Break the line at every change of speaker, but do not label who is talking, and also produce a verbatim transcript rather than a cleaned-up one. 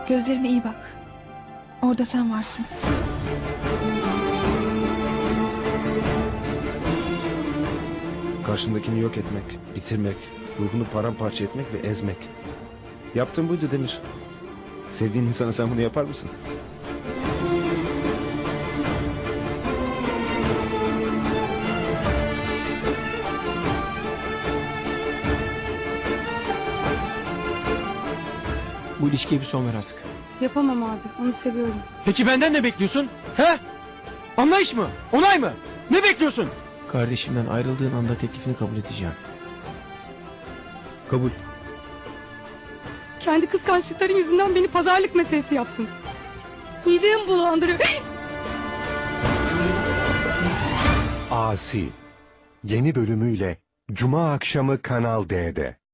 Gözlerime iyi bak. Orada sen varsın.
Karşındakini yok etmek, bitirmek, ruhunu paramparça etmek ve ezmek. Yaptığın buydu Demir. Sevdiğin insana sen bunu yapar mısın?
Bu ilişkiye bir son ver artık.
Yapamam abi. Onu seviyorum.
Peki benden ne bekliyorsun? He? Anlayış mı? Onay mı? Ne bekliyorsun? Kardeşimden ayrıldığın anda teklifini kabul edeceğim.
Kabul.
Kendi kıskançlıkların yüzünden beni pazarlık meselesi yaptın. Midemi bulandırıyor.
Asi yeni bölümüyle Cuma akşamı Kanal D'de.